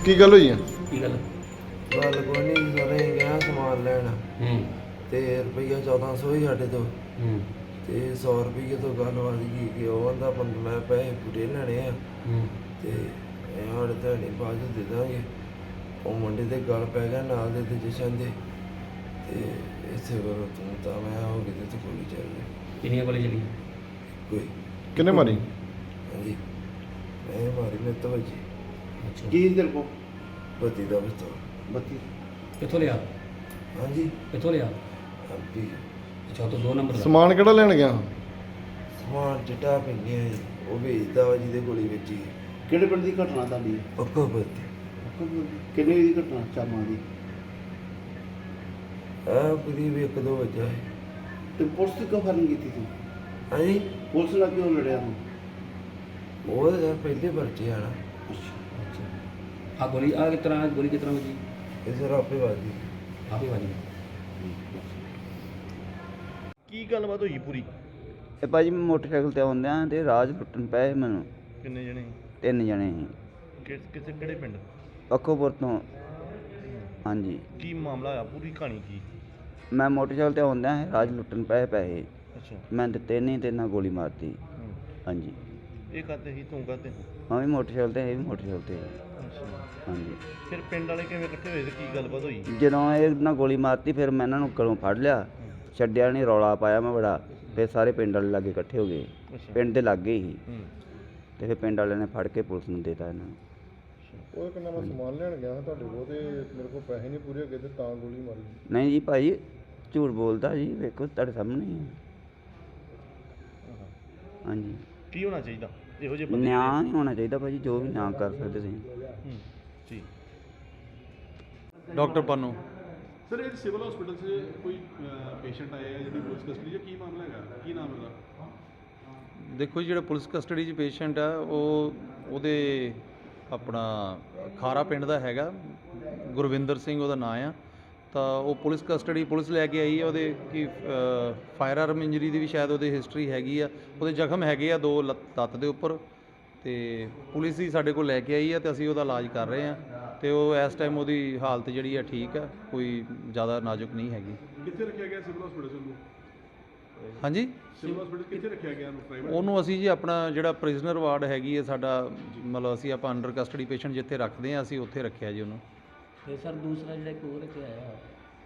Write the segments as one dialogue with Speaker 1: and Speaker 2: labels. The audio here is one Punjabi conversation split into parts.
Speaker 1: ਕੀ ਗੱਲ ਹੋਈ ਆ?
Speaker 2: ਕੀ ਗੱਲ?
Speaker 3: ਗੱਲ ਕੋਈ ਨਹੀਂ, ਸਾਰੇ ਗਿਆ ਸਮਾਨ ਲੈਣ ਤੇ ਰੁਪਈਆ 1400 ਹੀ ਸਾਡੇ ਤੋਂ ਤੇ 100 ਰੁਪਈਏ ਤੋਂ ਗੱਲ ਵਧ ਗਈ ਕਿ ਉਹ ਆਂਦਾ ਮੈਂ ਪੈਸੇ ਪੂਰੇ ਲੈਣੇ ਆ ਤੇ ਸਾਡੇ ਤਾਂ ਨਹੀਂ ਬਾਅਦ 'ਚ ਦੇ ਦਾਂਗੇ। ਉਹ ਮੁੰਡੇ ਦੇ ਗੱਲ ਪੈ ਗਿਆ ਨਾਲ ਦੇ ਤੇ ਜਸ਼ਨ ਦੇ ਤੇ ਇਸੇ ਵੱਲੋਂ ਤੂੰ ਤਾਂ ਮੈਂ ਹੋ ਗਈ ਤੇ ਗੋਲੀ ਚੱਲ ਗਈ।
Speaker 2: ਕਿੰਨੀਆਂ ਗੋਲੀ ਚੱਲੀਆਂ?
Speaker 3: ਕੋਈ
Speaker 1: ਕਿੰਨੇ ਮਾਰੀ?
Speaker 3: ਹਾਂਜੀ ਮੈਂ ਮਾਰੀ ਮੇਰੇ ਤੋਂ ਵੱਜੀ।
Speaker 2: ਅੱਛਾ,
Speaker 4: ਕੀ ਤੇਰੇ ਕੋ
Speaker 3: ਬੱਤੀ ਦਾ ਬਸਤਾ।
Speaker 4: 32
Speaker 2: ਕਿੱਥੋਂ ਲਿਆ?
Speaker 3: ਹਾਂਜੀ
Speaker 2: ਕਿੱਥੋਂ ਲਿਆ?
Speaker 3: ਅੱਬੀ
Speaker 2: ਅੱਛਾ, ਤੋਂ 2 ਨੰਬਰ ਦਾ।
Speaker 1: ਸਮਾਨ ਕਿਹੜਾ ਲੈਣ ਗਿਆ?
Speaker 3: ਸਮਾਨ ਚਿੱਟਾ ਪੀਂਦੇ ਆ ਜੀ, ਉਹ ਵੇਚਦਾ ਵਾ ਜਿਹਦੇ ਗੋਲੀ ਵੱਜੀ।
Speaker 4: ਕਿਹੜੇ ਪਿੰਡ ਦੀ ਘਟਨਾ ਤੁਹਾਡੀ?
Speaker 3: ਪੱਕਾ ਬੱਤੀ
Speaker 4: ਕਿੰਨੇ ਵਜੇ ਦੀ ਘਟਨਾ? ਚਾਮਾਂ ਦੀ।
Speaker 3: ਆ ਕਰੀਬ 1-2 ਵਜੇ ਹੈ।
Speaker 4: ਤੇ ਪੁਲਿਸ ਦੀ ਕਿਉਂ ਫਾਇਰਿੰਗ ਕੀਤੀ ਤੂੰ?
Speaker 3: ਹਾਂਜੀ
Speaker 4: ਪੁਲਿਸ ਨਾਲ ਕਿਉਂ ਲੜਿਆ ਤੂੰ?
Speaker 3: ਉਹ ਤਾਂ ਯਾਰ ਪਹਿਲੇ ਪਰਚੇ ਆਣਾ
Speaker 2: ਅੱਛਾ, ਆ ਗੋਲੀ ਆ ਕਿਸ ਤਰ੍ਹਾਂ ਗੋਲੀ ਕਿਸ ਤਰ੍ਹਾਂ ਵੱਜੀ?
Speaker 3: ਇਸ ਰਾਪੇ ਵਾਦੀ
Speaker 2: ਆਪੇ ਵੱਜੀ।
Speaker 1: ਕੀ ਗੱਲਬਾਤ ਹੋਈ ਪੂਰੀ?
Speaker 5: ਇਹ ਭਾਜੀ ਮੈਂ ਮੋਟਰਸਾਈਕਲ ਤੇ ਆਉਂਦਿਆਂ ਤੇ ਰਾਜ ਲੁੱਟਣ ਪਏ ਮੈਨੂੰ।
Speaker 1: ਕਿੰਨੇ ਜਣੇ?
Speaker 5: 3 ਜਣੇ ਸੀ
Speaker 1: ਕਿਸੇ ਕਿਹੜੇ ਪਿੰਡ?
Speaker 5: ਪੱਖੋਪੁਰ ਤੋਂ। ਹਾਂਜੀ,
Speaker 1: ਕੀ ਮਾਮਲਾ ਆ? ਪੂਰੀ ਕਹਾਣੀ ਕੀ?
Speaker 5: ਮੈਂ ਮੋਟਰਸਾਈਕਲ ਤੇ ਆਉਂਦਿਆਂ ਰਾਜ ਲੁੱਟਣ ਪਏ ਪੈਸੇ।
Speaker 1: ਅੱਛਾ,
Speaker 5: ਮੈਂ ਦਿੱਤੇ ਨਹੀਂ ਤੇ ਨਾਲ ਗੋਲੀ ਮਾਰਤੀ। ਹਾਂਜੀ,
Speaker 1: ਇਹ ਕਰਦੇ ਸੀ, ਤੂੰ ਕਰਦੇ?
Speaker 5: ਮੈਂ ਵੀ ਮੋਟਰਸਾਈਕਲ ਤੇ, ਇਹ ਵੀ ਮੋਟਰਸਾਈਕਲ ਤੇ।
Speaker 1: ਅੱਛਾ,
Speaker 5: ਹਾਂਜੀ,
Speaker 1: ਫਿਰ ਪਿੰਡ ਵਾਲੇ ਕਿਵੇਂ ਇਕੱਠੇ ਹੋਏ ਤੇ ਕੀ ਗੱਲਬਾਤ ਹੋਈ?
Speaker 5: ਜਦੋਂ ਇਹ ਨਾਲ ਗੋਲੀ ਮਾਰਤੀ ਫਿਰ ਮੈਂ ਇਹਨਾਂ ਨੂੰ ਘਰੋਂ ਫੜ ਲਿਆ, ਛੱਡਿਆ ਨਹੀਂ, ਰੌਲਾ ਪਾਇਆ ਮੈਂ ਬੜਾ। ਫਿਰ ਸਾਰੇ ਪਿੰਡ ਵਾਲੇ ਲਾਗੇ ਇਕੱਠੇ ਹੋ ਗਏ,
Speaker 1: ਅੱਛਾ,
Speaker 5: ਪਿੰਡ ਦੇ ਲਾਗੇ ਹੀ।
Speaker 1: ਹੂੰ,
Speaker 5: ਤੇ ਫਿਰ ਪਿੰਡ ਵਾਲਿਆਂ ਨੇ ਫੜ ਕੇ ਪੁਲਿਸ ਨੂੰ ਦੇਤਾ ਇਹਨਾਂ ਨੂੰ।
Speaker 1: ਉਹ ਕਹਿੰਦਾ ਮੈਂ ਸਮਾਨ ਲੈਣ ਗਿਆ ਤੁਹਾਡੇ ਕੋਲ ਤੇ ਮੇਰੇ ਕੋਲ ਪੈਸੇ ਨਹੀਂ ਪੂਰੇ ਹੋਏ ਤੇ ਤਾਂ ਗੋਲੀ ਮਾਰੀ।
Speaker 5: ਨਹੀਂ ਜੀ ਭਾਈ, ਝੂਠ ਬੋਲਦਾ ਜੀ, ਵੇਖੋ ਤੁਹਾਡੇ ਸਾਹਮਣੇ ਹੀ ਹੈ। ਹਾਂਜੀ,
Speaker 1: ਕੀ ਹੋਣਾ ਚਾਹੀਦਾ ਇਹੋ ਜਿਹੇ ਬੰਦੇ?
Speaker 5: ਨਿਆਂ ਨਹੀਂ ਹੋਣਾ ਚਾਹੀਦਾ ਭਾਜੀ, ਜੋ ਵੀ ਨਿਆਂ ਕਰ ਸਕਦੇ ਤੁਸੀਂ।
Speaker 1: ਜੀ।
Speaker 6: ਡਾਕਟਰ ਪਾਨੋ।
Speaker 7: ਸਰ ਇਹ ਸਿਵਲ ਹਸਪੀਟਲ 'ਚ ਕੋਈ ਪੇਸ਼ੈਂਟ ਆਇਆ ਹੈ ਜਿਹਦੀ ਪੁਲਿਸ ਕਸਟਡੀ 'ਚ ਕੀ ਮਾਮਲਾ ਹੈਗਾ? ਕੀ ਨਾਮ ਹੈਗਾ?
Speaker 6: ਦੇਖੋ ਜੀ, ਜਿਹੜਾ ਪੁਲਿਸ ਕਸਟਡੀ 'ਚ ਪੇਸ਼ੈਂਟ ਆ ਉਹਦੇ ਆਪਣਾ ਖਾਰਾ ਪਿੰਡ ਦਾ ਹੈਗਾ, ਗੁਰਵਿੰਦਰ ਸਿੰਘ ਉਹਦਾ ਨਾਂ ਆ। ਤਾਂ ਉਹ ਪੁਲਿਸ ਕਸਟਡੀ ਪੁਲਿਸ ਲੈ ਕੇ ਆਈ ਹੈ। ਉਹਦੇ ਕੀ ਫਾਇਰ ਆਰਮ ਇੰਜਰੀ ਦੀ ਵੀ ਸ਼ਾਇਦ ਉਹਦੇ ਹਿਸਟਰੀ ਹੈਗੀ ਆ। ਉਹਦੇ ਜ਼ਖਮ ਹੈਗੇ ਆ 2 ਲੱਤ ਦੇ ਉੱਪਰ। ਤੇ ਪੁਲਿਸ ਹੀ ਸਾਡੇ ਕੋਲ ਲੈ ਕੇ ਆਈ ਹੈ ਤੇ ਅਸੀਂ ਉਹਦਾ ਇਲਾਜ ਕਰ ਰਹੇ ਹਾਂ। ਤੇ ਉਹ ਇਸ ਟਾਈਮ ਉਹਦੀ ਹਾਲਤ ਜਿਹੜੀ ਆ ਠੀਕ ਆ, ਕੋਈ ਜ਼ਿਆਦਾ ਨਾਜ਼ੁਕ ਨਹੀਂ ਹੈਗੀ।
Speaker 7: ਕਿੱਥੇ ਰੱਖਿਆ ਗਿਆ ਸਿਵਲ ਹਸਪੀਟਲ 'ਚ ਉਹਨੂੰ?
Speaker 6: ਹਾਂਜੀ,
Speaker 7: ਸਿਵਲ ਹਸਪੀਟਲ ਕਿੱਥੇ ਰੱਖਿਆ ਗਿਆ ਉਹਨੂੰ? ਪ੍ਰਾਈਵੇਟ?
Speaker 6: ਉਹਨੂੰ ਅਸੀਂ ਜੀ ਆਪਣਾ ਜਿਹੜਾ ਪ੍ਰਿਜ਼ਨਰ ਵਾਰਡ ਹੈਗੀ ਹੈ ਸਾਡਾ, ਮਤਲਬ ਅਸੀਂ ਆਪਾਂ ਅੰਡਰ ਕਸਟਡੀ ਪੇਸ਼ੈਂਟ ਜਿੱਥੇ ਰੱਖਦੇ ਹਾਂ ਅਸੀਂ ਉੱਥੇ ਰੱਖਿਆ ਜੀ ਉਹਨੂੰ।
Speaker 2: ਤੇ ਸਰ ਦੂਸਰਾ ਜਿਹੜਾ ਇੱਕ ਹੋਰ ਰੱਖਿਆ ਆਇਆ,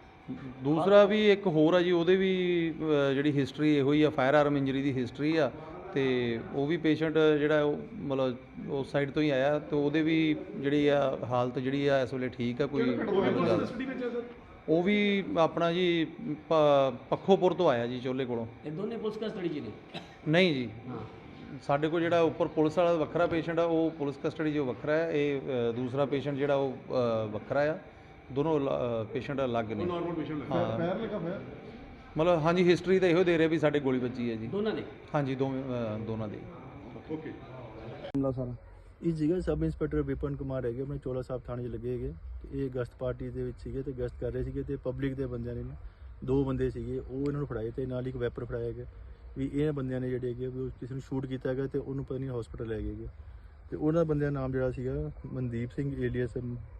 Speaker 6: ਦੂਸਰਾ ਵੀ ਇੱਕ ਹੋਰ ਆ ਜੀ, ਉਹਦੇ ਵੀ ਜਿਹੜੀ ਹਿਸਟਰੀ ਇਹੋ ਹੀ ਆ, ਫਾਇਰ ਆਰਮ ਇੰਜਰੀ ਦੀ ਹਿਸਟਰੀ ਆ। ਤੇ ਉਹ ਵੀ ਪੇਸ਼ੈਂਟ ਜਿਹੜਾ ਉਹ ਮਤਲਬ ਉਸ ਸਾਈਡ ਤੋਂ ਹੀ ਆਇਆ ਤੇ ਉਹਦੇ ਵੀ ਜਿਹੜੀ ਆ ਹਾਲਤ ਜਿਹੜੀ ਆ ਇਸ ਵੇਲੇ ਠੀਕ ਆ, ਕੋਈ ਜ਼ਿਆਦਾ।
Speaker 7: ਕਸਟਡੀ ਵਿੱਚ ਹੈ ਸਰ?
Speaker 6: ਉਹ ਵੀ ਆਪਣਾ ਜੀ ਪੱਖੋਪੁਰ ਤੋਂ ਆਇਆ ਜੀ, ਚੋਲੇ ਕੋਲੋਂ।
Speaker 2: ਇਹ ਦੋਨੇ ਪੁਲਿਸ ਕਸਟਡੀ 'ਚ ਨੇ?
Speaker 6: ਨਹੀਂ ਜੀ,
Speaker 2: ਹਾਂ,
Speaker 6: ਸਾਡੇ ਕੋਲ ਜਿਹੜਾ ਉੱਪਰ ਪੁਲਿਸ ਵਾਲਾ ਵੱਖਰਾ ਪੇਸ਼ੈਂਟ ਆ, ਉਹ ਪੁਲਿਸ ਕਸਟਡੀ 'ਚੋਂ ਵੱਖਰਾ ਹੈ। ਇਹ ਦੂਸਰਾ ਪੇਸ਼ੈਂਟ ਜਿਹੜਾ ਉਹ ਵੱਖਰਾ ਆ। ਦੋਨੋਂ ਪੇਸ਼ੈਂਟ ਅਲੱਗ ਨੇ।
Speaker 7: ਨਾਰਮਲ ਪੇਸ਼ੈਂਟ ਹੈ?
Speaker 6: ਹਾਂ,
Speaker 1: ਪੈਰ ਲੱਗਾ ਹੋਇਆ?
Speaker 6: ਮਤਲਬ ਹਾਂਜੀ, ਹਿਸਟਰੀ ਤਾਂ ਇਹੋ ਦੇ ਰਿਹਾ ਵੀ ਸਾਡੇ ਗੋਲੀ ਵੱਜੀ ਹੈ ਜੀ।
Speaker 2: ਦੋਨਾਂ ਦੇ?
Speaker 6: ਹਾਂਜੀ, ਦੋਨਾਂ ਦੇ।
Speaker 7: ਓਕੇ।
Speaker 4: ਮਾਮਲਾ ਸਾਰਾ
Speaker 8: ਇਹ ਸੀਗਾ ਸਬ ਇੰਸਪੈਕਟਰ ਵਿਪਨ ਕੁਮਾਰ ਹੈਗੇ, ਆਪਣੇ ਚੋਲਾ ਸਾਹਿਬ ਥਾਣੇ 'ਚ ਲੱਗੇ ਹੈਗੇ ਤੇ ਇਹ ਗਸ਼ਤ ਪਾਰਟੀ ਦੇ ਵਿੱਚ ਸੀਗੇ ਤੇ ਗਸ਼ਤ ਕਰ ਰਹੇ ਸੀਗੇ ਤੇ ਪਬਲਿਕ ਦੇ ਬੰਦਿਆਂ ਨੇ 2 ਬੰਦੇ ਸੀਗੇ ਉਹ ਇਹਨਾਂ ਨੂੰ ਫੜਾਏ ਤੇ ਨਾਲ ਇੱਕ ਵੈਪਰ ਫੜਾਇਆ ਹੈਗਾ ਵੀ ਇਹ ਬੰਦਿਆਂ ਨੇ ਜਿਹੜੇ ਹੈਗੇ ਵੀ ਉਹ ਕਿਸੇ ਨੂੰ ਸ਼ੂਟ ਕੀਤਾ ਹੈਗਾ ਤੇ ਉਹਨੂੰ ਪਤਾ ਨਹੀਂ ਹਸਪੀਟਲ ਲੈ ਗਏ ਤੇ ਉਹਨਾਂ ਬੰਦਿਆਂ ਦਾ ਨਾਮ ਜਿਹੜਾ ਸੀਗਾ ਮਨਦੀਪ ਸਿੰਘ ਏਲੀਅਸ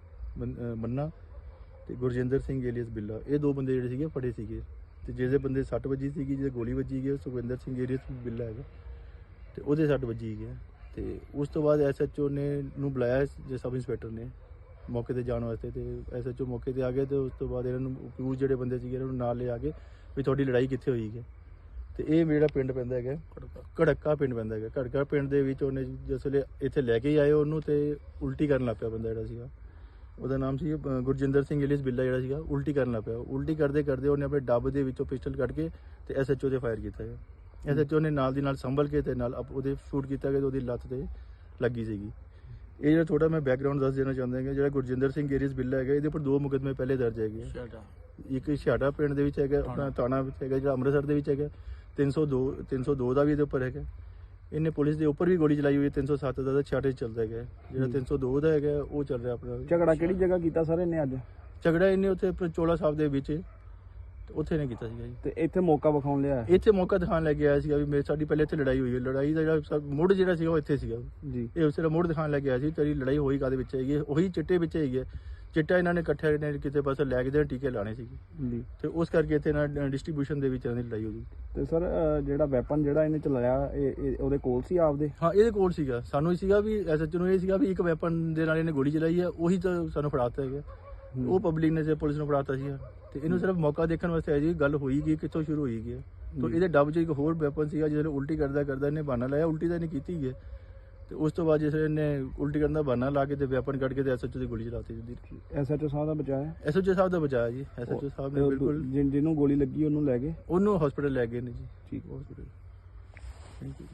Speaker 8: ਮੰਨਾ ਤੇ ਗੁਰਜਿੰਦਰ ਸਿੰਘ ਏਲੀਅਸ ਬਿੱਲਾ। ਇਹ 2 ਬੰਦੇ ਜਿਹੜੇ ਸੀਗੇ ਫੜੇ ਸੀਗੇ ਤੇ ਜਿਹਦੇ ਬੰਦੇ 60 ਵੱਜੀ ਸੀਗੀ, ਜਿਹਦੇ ਗੋਲੀ ਵੱਜੀ ਗਈ ਸੁਖਵਿੰਦਰ ਸਿੰਘ ਏਲੀਅਸ ਬਿੱਲਾ ਹੈਗਾ ਤੇ ਉਹਦੇ 60 ਵੱਜੀ ਗਈ। ਤੇ ਉਸ ਤੋਂ ਬਾਅਦ ਐਸਐਚਓ ਨੇ ਨੂੰ ਬੁਲਾਇਆ ਜੇ ਸਬ ਇੰਸਪੈਕਟਰ ਨੇ ਮੌਕੇ ਤੇ ਜਾਣ ਵਾਸਤੇ ਤੇ ਐਸਐਚਓ ਮੌਕੇ ਤੇ ਆ ਗਏ ਤੇ ਉਸ ਤੋਂ ਬਾਅਦ ਇਹਨਾਂ ਨੂੰ ਅਕਿਊਜ਼ ਜਿਹੜੇ ਬੰਦੇ ਸੀਗੇ ਇਹਨਾਂ ਨੂੰ ਨਾਲ ਲੈ ਆ ਕੇ ਵੀ ਤੁਹਾਡੀ ਲੜਾਈ ਕਿੱਥੇ ਹੋਈ ਹੈ। ਤੇ ਇਹ ਜਿਹੜਾ ਪਿੰਡ ਪੈਂਦਾ ਹੈਗਾ ਘੜਕਾ ਪਿੰਡ ਪੈਂਦਾ ਹੈਗਾ। ਘੜਕਾ ਪਿੰਡ ਦੇ ਵਿੱਚ ਉਹਨੇ ਜਿਸ ਵੇਲੇ ਇੱਥੇ ਲੈ ਕੇ ਆਏ ਉਹਨੂੰ ਤੇ ਉਲਟੀ ਕਰਨ ਲੱਗ ਪਿਆ ਬੰਦਾ ਜਿਹੜਾ ਸੀਗਾ, ਉਹਦਾ ਨਾਮ ਸੀ ਗੁਰਜਿੰਦਰ ਸਿੰਘ ਏਲੀਅਸ ਬਿੱਲਾ ਜਿਹੜਾ ਸੀਗਾ, ਉਲਟੀ ਕਰਨ ਲੱਗ ਪਿਆ। ਉਲਟੀ ਕਰਦੇ ਕਰਦੇ ਉਹਨੇ ਆਪਣੇ ਡੱਬ ਦੇ ਵਿੱਚੋਂ ਪਿਸਟਲ ਕੱਢ ਕੇ ਤੇ ਐਸਐਚਓ ਤੇ ਫਾਇਰ ਕੀਤਾ ਹੈ। ਐਸਐਚਓ ਨੇ ਨਾਲ ਦੀ ਨਾਲ ਸੰਭਲ ਕੇ ਤੇ ਨਾਲ ਉਹਦੇ ਸ਼ੂਟ ਕੀਤਾ ਗਿਆ ਤੇ ਉਹਦੀ ਲੱਤ ਤੇ ਲੱਗੀ ਸੀਗੀ। ਇਹ ਜਿਹੜਾ ਥੋੜਾ ਮੈਂ ਬੈਕਗ੍ਰਾਉਂਡ ਦੱਸ ਦੇਣਾ ਚਾਹੁੰਦਾ ਹਾਂ, ਜਿਹੜਾ ਗੁਰਜਿੰਦਰ ਸਿੰਘ ਏਲੀਅਸ ਬਿੱਲਾ ਹੈਗਾ ਇਹਦੇ ਉੱਪਰ 2 ਮੁਕੱਦਮੇ ਪਹਿਲੇ ਦਰਜ ਹੈਗੇ। ਇੱਕ ਛਾੜਾ ਪਿੰਡ ਦੇ ਵਿੱਚ ਹੈਗਾ, ਆਪਣਾ ਥਾਣਾ ਵਿੱਚ ਹੈਗਾ ਜਿਹੜਾ ਅੰਮ੍ਰਿਤਸਰ ਦੇ ਵਿੱਚ ਹੈਗਾ। 302 ਦਾ ਵੀ ਇਹਦੇ ਉੱਪਰ ਹੈਗਾ। ਇਹਨੇ ਪੁਲਿਸ ਦੇ ਉੱਪਰ ਵੀ ਗੋਲੀ ਚਲਾਈ ਹੋਈ ਹੈ। 307 ਦਾ ਛਾੜੇ ਚੱਲਦਾ ਹੈਗਾ। ਜਿਹੜਾ 302 ਦਾ ਹੈਗਾ ਉਹ ਚੱਲ ਰਿਹਾ ਆਪਣਾ।
Speaker 4: ਝਗੜਾ ਕਿਹੜੀ ਜਗ੍ਹਾ ਕੀਤਾ ਸਰ ਇਹਨੇ ਅੱਜ?
Speaker 8: ਝਗੜਾ ਇਹਨੇ ਉੱਥੇ ਚੋਲਾ ਸਾਹਿਬ ਦੇ ਵਿੱਚ ਤੇ ਉੱਥੇ ਇਹਨੇ ਕੀਤਾ ਸੀਗਾ ਜੀ।
Speaker 4: ਤੇ ਇੱਥੇ ਮੌਕਾ ਵਿਖਾਉਣ ਲਿਆ
Speaker 8: ਇੱਥੇ ਮੌਕਾ ਦਿਖਾਉਣ ਲੈ ਕੇ ਆਇਆ ਸੀਗਾ ਵੀ ਸਾਡੀ ਪਹਿਲੇ ਇੱਥੇ ਲੜਾਈ ਹੋਈ ਹੈ, ਲੜਾਈ ਦਾ ਜਿਹੜਾ ਮੁੱਢ ਜਿਹੜਾ ਸੀਗਾ ਉਹ ਇੱਥੇ ਸੀਗਾ
Speaker 4: ਜੀ।
Speaker 8: ਇਹ ਉਸ ਤਰ੍ਹਾਂ ਮੁੱਢ ਦਿਖਾਉਣ ਲੈ ਕੇ ਆਇਆ ਸੀ ਤੇਰੀ ਲੜਾਈ ਹੋਈ ਕਾਹਦੇ ਵਿੱਚ ਹੈਗੀ ਹੈ, ਉਹੀ ਚਿੱਟੇ ਵਿੱਚ ਹੈਗੀ ਹੈ। ਚਿੱਟਾ ਇਹਨਾਂ ਨੇ ਇਕੱਠੇ ਨੇ ਕਿਤੇ ਪਾਸੇ ਲੈ ਕੇ ਦੇ ਟੀਕੇ ਲਾਣੇ ਸੀਗੇ
Speaker 4: ਜੀ।
Speaker 8: ਤੇ ਉਸ ਕਰਕੇ ਇੱਥੇ ਨਾ ਡਿਸਟ੍ਰੀਬਿਊਸ਼ਨ ਦੇ ਵਿੱਚ ਇਹਨਾਂ ਦੀ ਲੜਾਈ ਹੋ ਗਈ।
Speaker 4: ਤੇ ਸਰ ਜਿਹੜਾ ਵੈਪਨ ਜਿਹੜਾ ਇਹਨੇ ਚਲਾਇਆ ਇਹ ਉਹਦੇ ਕੋਲ ਸੀ ਆਪਦੇ?
Speaker 8: ਹਾਂ ਇਹਦੇ ਕੋਲ ਸੀਗਾ, ਸਾਨੂੰ ਇਹ ਸੀਗਾ ਵੀ ਐਸਐਚਓ ਨੂੰ ਇਹ ਸੀਗਾ ਵੀ ਇੱਕ ਵੈਪਨ ਦੇ ਨਾਲ ਇਹਨੇ ਗੋਲੀ ਚਲਾਈ ਹੈ, ਉਹੀ ਤਾਂ ਸਾਨੂੰ ਫੜਾਤਾ ਹੈਗਾ। ਉਹ ਪਬਲਿਕ ਨੇ ਪੁਲਿਸ ਨੂੰ ਫੜਾਤਾ ਸੀ ਤੇ ਇਹਨੂੰ ਸਿਰਫ ਮੌਕਾ ਦੇਖਣ ਵਾਸਤੇ ਆਇਆ ਜੀ ਗੱਲ ਹੋਈ ਗਈ ਕਿੱਥੋਂ ਸ਼ੁਰੂ ਹੋਈ ਗਈ। ਤਾਂ ਇਹਦੇ ਡੱਬ 'ਚ ਇੱਕ ਹੋਰ ਵੈਪਨ ਸੀਗਾ ਜਿਹਦੇ ਉਲਟੀ ਕਰਦਾ ਇਹਨੇ ਬਹਾਨਾ ਲਾਇਆ, ਉਲਟੀ ਤਾਂ ਇਹਨੇ ਕੀਤੀ ਹੈ ਤੇ ਉਸ ਤੋਂ ਬਾਅਦ ਜਿਸ ਇਹਨੇ ਉਲਟੀ ਕਰਨ ਦਾ ਬਹਾਨਾ ਲਾ ਕੇ ਤੇ ਵੈਪਨ ਕੱਢ ਕੇ ਤੇ ਐਸਐਚਓ ਦੀ ਗੋਲੀ ਚਲਾਤੀ ਜੀ।
Speaker 4: ਐਸਐਚਓ ਸਾਹਿਬ ਦਾ ਬਚਾਇਆ?
Speaker 8: ਐਸਐਚਓ ਸਾਹਿਬ ਦਾ ਬਚਾਇਆ ਜੀ, ਐਸਐਚਓ ਸਾਹਿਬ ਨੇ ਬਿਲਕੁਲ
Speaker 4: ਜਿਹਨੂੰ ਗੋਲੀ ਲੱਗੀ ਉਹਨੂੰ ਲੈ ਗਏ?
Speaker 8: ਉਹਨੂੰ ਹਸਪੀਟਲ ਲੈ ਗਏ ਨੇ ਜੀ।
Speaker 4: ਠੀਕ।
Speaker 8: ਹਸਪੀਟਲ। Thank you.